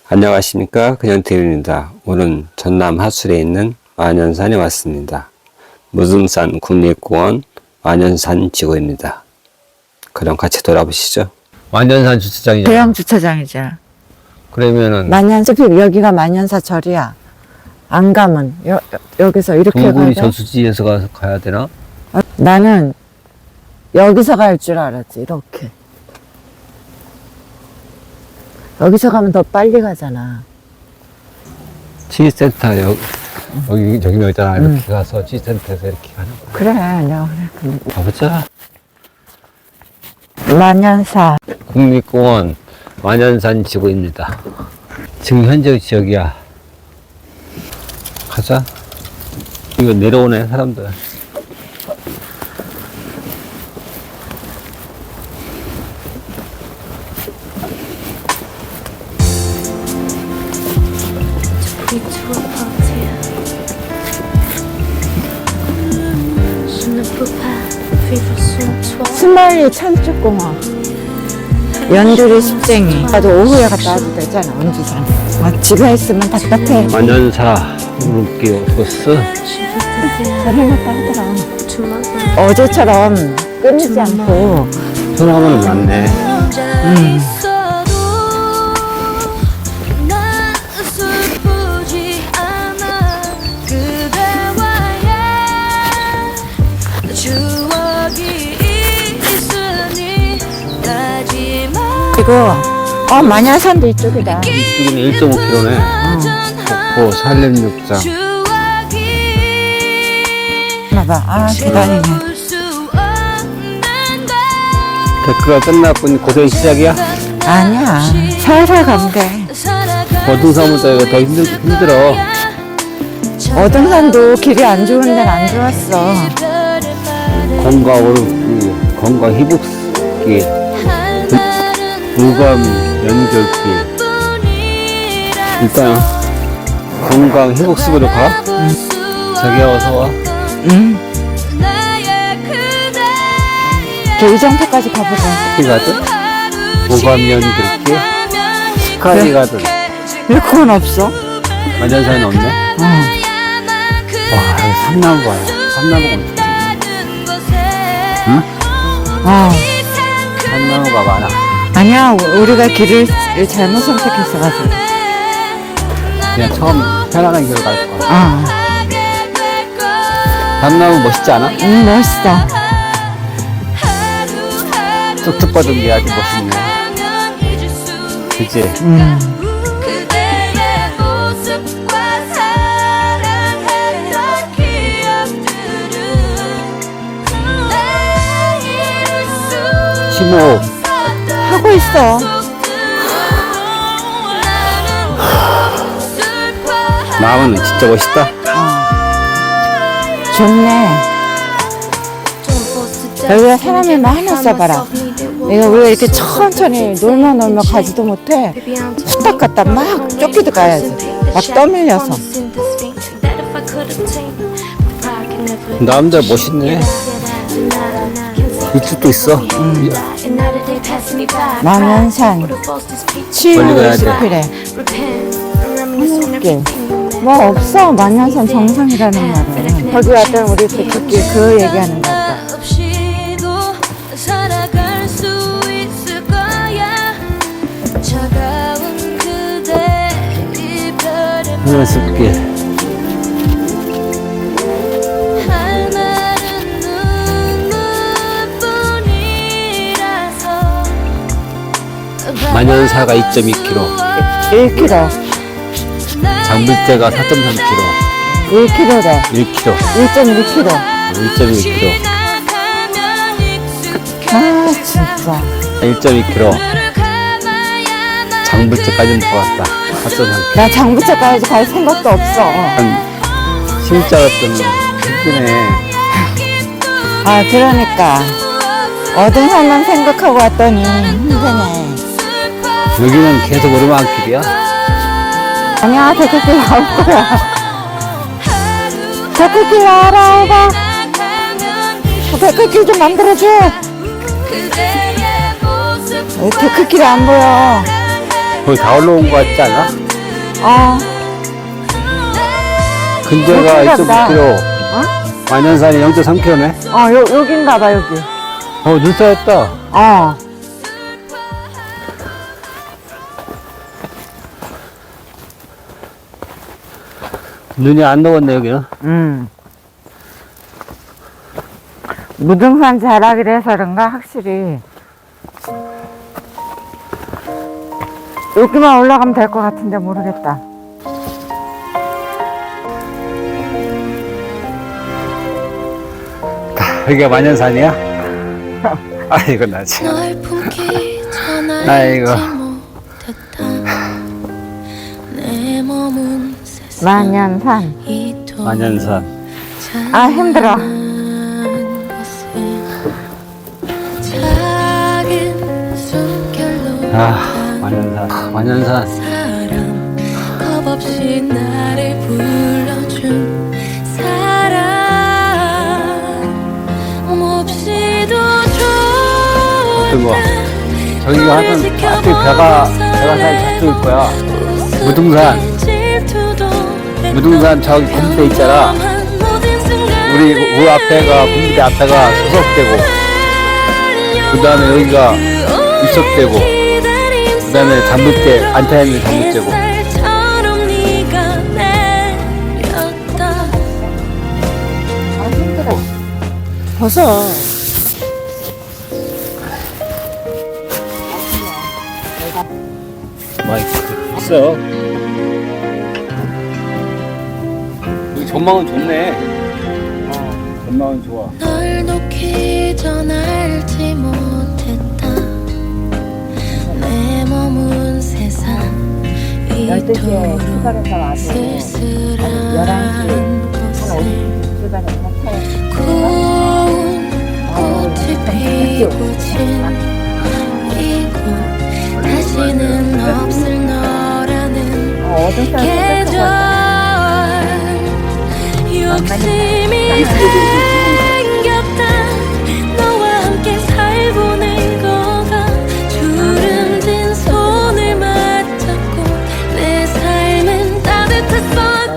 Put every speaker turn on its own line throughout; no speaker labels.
안녕하십니까, 그냥TV입니다. 오늘은 전남 하술에 있는 완현산에 왔습니다. 무등산 국립공원 완현산 지구입니다. 그럼 같이 돌아보시죠. 완현산 주차장이죠.
대형 주차장이죠.
그러면은
만년숲이 여기가 만년사절이야. 안 가면 여기서 이렇게 가야
동굴이
돼.
저수지에서 가야 되나?
나는 여기서 갈 줄 알았지. 이렇게 여기서 가면 더 빨리 가잖아.
치센터 여기 있잖아. 이렇게 가서 치센터에서 이렇게 가는 거야.
그래, 내가 그래.
가보자.
만년사.
국립공원 완현산 지구입니다. 지금 현재 지역이야. 가자. 이거 내려오네, 사람들.
스마일리 천축공원. 연두리 습쟁이. 나도 오후에 갔다 와도 되잖아, 원주산. 집에 있으면 답답해.
완현사 물길 코스.
저를 갔다 하더라. 어제처럼 끊이지 않고.
소나무는 많네.
그리고 만야산도 이쪽이다.
이쪽은 1.5km네. 고 산림욕장.
봐봐, 계단이네.
데크가 끝났군. 고생 시작이야?
아니야, 살살 가면 돼.
어등산보다 이거 더 힘들어.
어등산도 길이 안 좋은 데는 안 좋았어.
건강 오르기, 건강 회복길, 무감 연결길. 일단 건강 회복식으로 가. 자기야 어서 와.
의정표까지 가보자.
스키 가든, 무감 연결길, 스카이 가든.
왜 그건 없어?
완전산이 없네. 와, 여기 삼나무 봐요. 삼나무가 엄청 많네. 응? 삼나무가 많아.
아니야, 우리가 길을 잘못 선택했어가지고.
그냥 처음 편안한 길로 갈 거야. 삼나무 멋있지 않아?
멋있어.
툭툭 뻗은 게 아주 멋있네. 그치? 심호흡
하고 있어.
마음은 진짜 멋있다.
좋네. 여기가 사람이 많아 써봐라. 내가 우리가 이렇게 천천히 놀면 가지도 못해. 후딱 갔다 막 쫓기도 가야지. 막 떠밀려서.
나름대로 멋있네. 이쪽도 있어.
만연산 치유숲이래. 길. 뭐 없어. 만연산 정상이라는 말은. 거기 왔던 우리 백두길 그 얘기하는 거 같다.
연습길. 만연사가 2.2km,
1km.
장물대가 4.3km,
1km래.
1km,
1.2km.
1.1km,
진짜.
1.2km. 장물대까지는 못 갔다. 4.3km.
나 장부차까지 갈 생각도 없어.
진짜 같은 힘드네.
그러니까. 어등산만 생각하고 왔더니 힘드네.
여기는 계속 오르막길이야?
아니야, 데크길 나올 거야. 데크길 나와라, 오바. 데크길 좀 만들어줘. 데크길이 안 보여.
거의 다 올라온 거 같지 않아? 근데가
그렇구나 보다.
2.9km,
어?
만연산이 0.3km네?
여긴가 봐, 여기.
눈 쌓였다. 눈이 안 녹았네, 여기는.
무등산 자락이라 해서 그런가, 확실히. 여기만 올라가면 될 것 같은데 모르겠다.
여기가 만연산이야? 아이고, 나 참. 아이고.
만연산.
만연산.
아, 힘들어.
만연산. 만연산.
겁없이 나를 불러준 사람 몹시도 좋았다.
저기가 하여튼 앞에 배가 잘 잡힐 거야. 무등산 저기 군부대 있잖아. 우리 그 앞에가 군부대 앞에가 소속되고, 그 다음에 여기가 입석되고, 그 다음에 잠복대 안타에 있는 잠복대고.
벗어.
마이크 있어. 여기 전망은 좋네. 전망은 좋아.
널 놓기 전 알지 못했다. 내 머문 세상
12시에 출발해서 와서
쓸쓸한 곳에
출발해서 차에
고운 꽃이 피고 진 이곳 다시는 없을 너라는
어둠 속에서
계절 욕심이 생겼다. 너와 함께 살보낸 거가 주름진 손을 맞잡고 내 삶은 따뜻했었다고.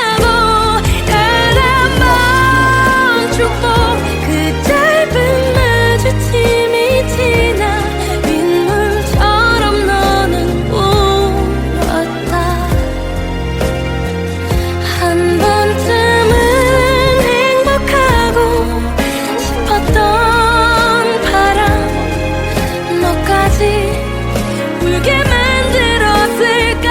단 한 번 축복 그 짧은 마주침이 지나 빗물처럼 너는 울었다. 한 번쯤은 행복하고 싶었던 바람 너까지 울게 만들었을까.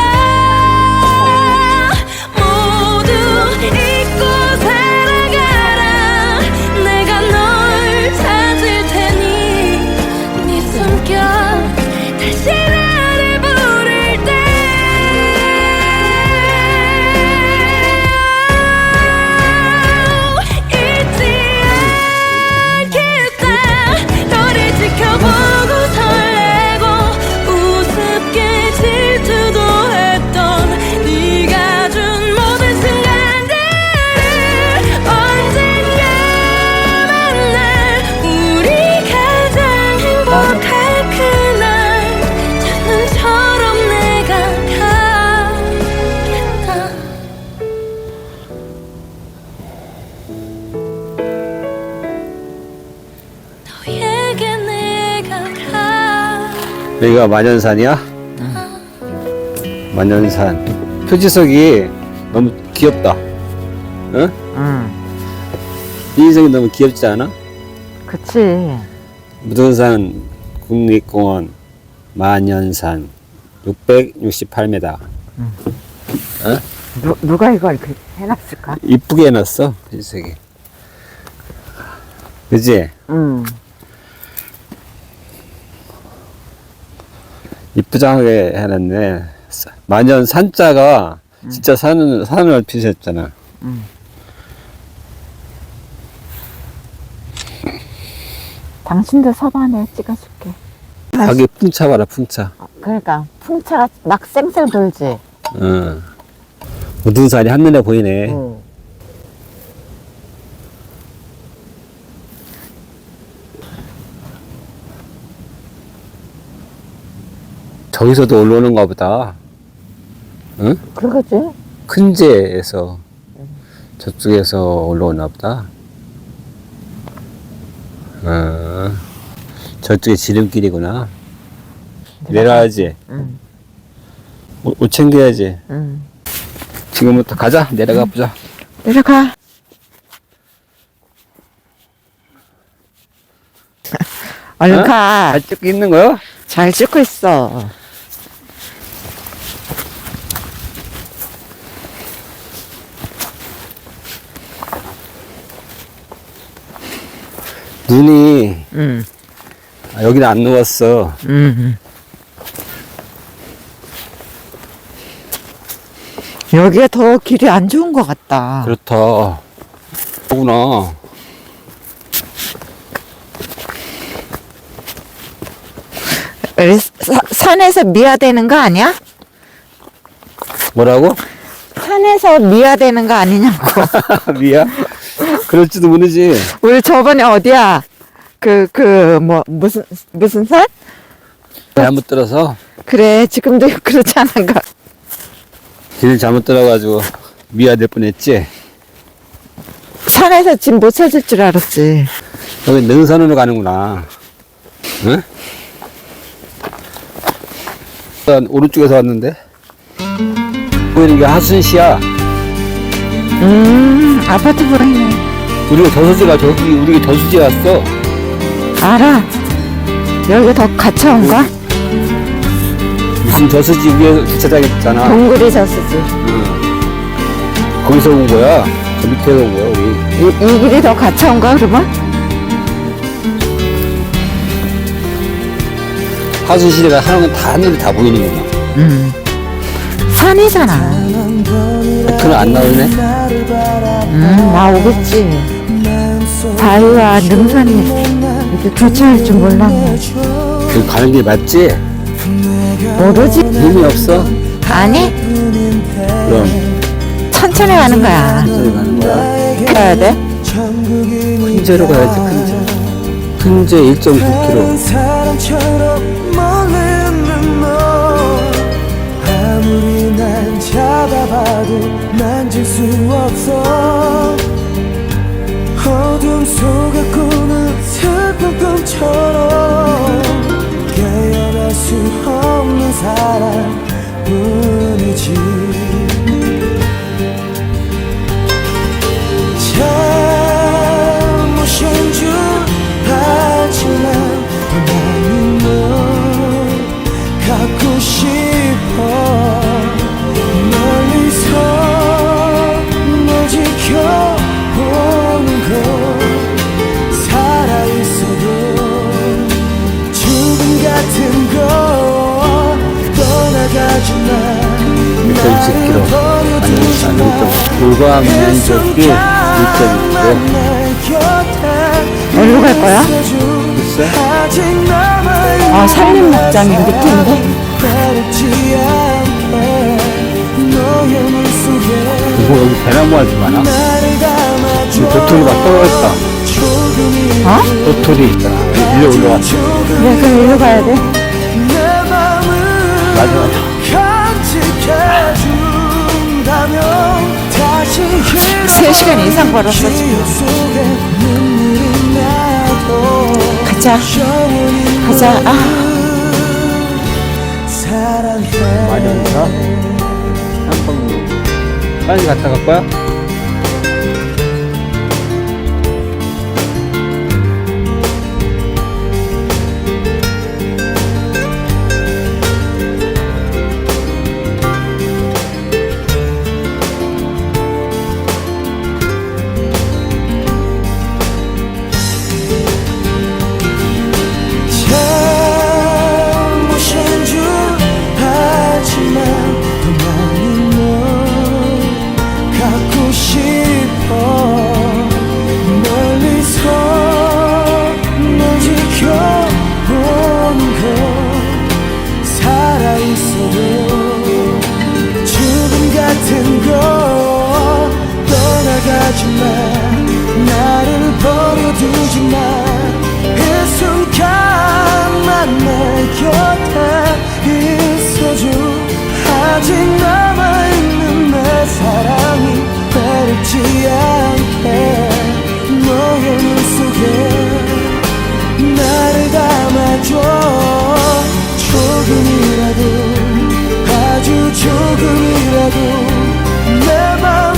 모두 잊고 살아가라. 내가 널 찾을 테니 네 숨결 다시 나를 부를 때 잊지 않겠다. 너를 지켜보고 설레고 우습게 질투도 했던 네가 준 모든 순간들을 언젠가 만날 우리 가장 행복할 그날 첫눈처럼 내가 가겠다. 너에게 내가 가.
여기가 만연산이야? 만연산. 표지석이 너무 귀엽다. 응? 이 인생이 너무 귀엽지 않아?
그치.
무등산 국립공원 만연산 668m.
누가 이걸 이렇게 해놨을까?
이쁘게 해놨어, 표지석이. 그지? 이쁘장하게 해놨네. 만연 산자가 진짜 산을 피셨잖아.
당신도 서봐, 내가 찍어줄게.
자기 풍차 봐라, 풍차.
그러니까 풍차가 막 쌩쌩 돌지.
어. 무등산이 한눈에 보이네. 저기서도 올라오는가 보다. 응?
그러겠지?
큰제에서 저쪽에서 올라오나 보다. 저쪽에 지름길이구나. 내려와야지.
응.
옷 챙겨야지.
응.
지금부터 가자. 내려가 보자.
내려가. 얼른
어?
가.
잘 찍고 있는 거요?
잘 찍고 있어.
눈이
응.
여기는 안 누웠어.
응. 여기가 더 길이 안 좋은 것 같다.
그렇다. 그구나.
산에서 미화되는 거 아니야?
뭐라고?
산에서 미화되는 거 아니냐고.
미야? 그럴지도 모르지.
우리 저번에 어디야? 무슨 산?
잘못 들어서
그래, 지금도 그렇지 않은가?
길 잘못 들어가지고 미아될 뻔했지.
산에서 지금 못 찾을 줄 알았지.
여기 능선으로 가는구나. 응? 난 오른쪽에서 왔는데 보이는 게 하순시야.
아파트 보이네.
우리가 저수지가 저기 우리 저수지에 왔어.
알아. 여기 더 갇혀온가?
무슨 저수지 위에 주차장 있잖아.
동굴이 저수지.
거기서 온 거야. 저 밑에서 온 거야 우리.
이 길이 더 갇혀온가 그러면?
하순시가 하는 건 다 하늘이 다 보이는구나.
산이잖아.
그는 안 나오네.
나오겠지. 바위와 능선이 이렇게 교차할 줄 몰랐네.
그 가는 길 맞지?
모르지?
힘이 없어?
아니,
그럼
천천히 가는 거야.
저기 가는 거야.
가야 돼?
큰제로 가야지. 큰제 1.9km.
사람처럼 멀리는 너 아무리 난 잡아봐도 만질 수 없어 어둠 속에 꾸는 슬픈 꿈처럼 깨어날 수 없는 사랑뿐이지 잘못인 줄 알지만 나는 널 갖고 싶어 멀리서 널 지켜보는 것 살아있어도 죽음 같은 거 떠나가지마
1.10km. 아니, 불과하면 저기 1.2km.
어디로 갈 거야?
글쎄.
산림 목장이 밑인데?
이거 여기 대나무가 좀 많아. 이 도토리 막 떨어졌다.
어?
도토리 있잖아. 일로 올라왔어.
그래, 그럼 일로 가야 돼.
맞아.
3시간 이상 걸었어, 지금. 가자. 가자.
많이 온다. 한번 빨리 갔다 갈 거야?
잘못인 줄 알지만 더 많이 널 갖고 사랑이 외롭지 않게 너의 눈 속에 나를 담아줘 조금이라도 아주 조금이라도 내 마음